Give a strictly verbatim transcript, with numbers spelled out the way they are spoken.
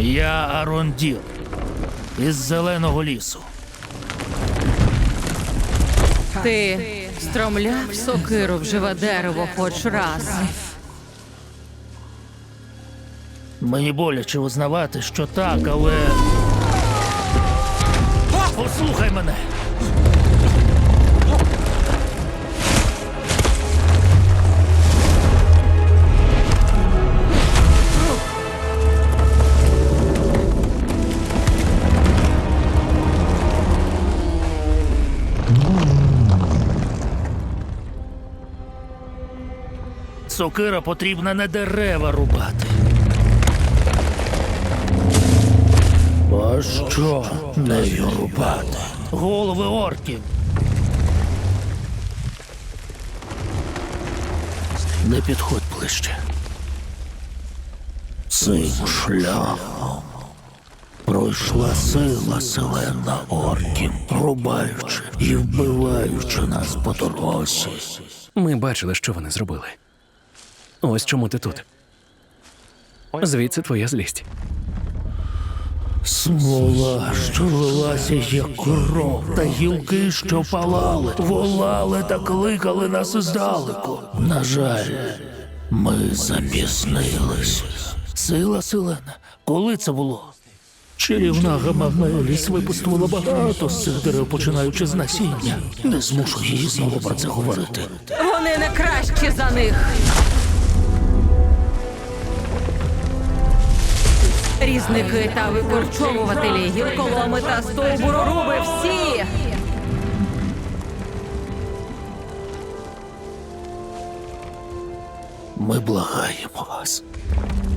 Я Арондір із Зеленого лісу. Ти стромляв сокиру в живе дерево хоч раз. Мені боляче визнавати, що так, але... Послухай мене! Сокира потрібна не дерева рубати. А що нею рубати? Голови орків. Не підходь ближче. Цим шляхом пройшла сила селена орків, рубаючи і вбиваючи нас по дорозі. Ми бачили, що вони зробили. Ось чому ти тут. Звідси твоя злість. Смола, що лилася, як кров, та гілки, що палали, волали та кликали нас здалеку. На жаль, ми запізнились. Сила селена, коли це було? Чарівна Гамамеліс випустила багато з цих дерев, починаючи з насіння. Не змушу її знову про це говорити. Вони не кращі за них. Різники та викорчовувателі, гілколоми та стовбуроруби – всі! Ми благаємо вас.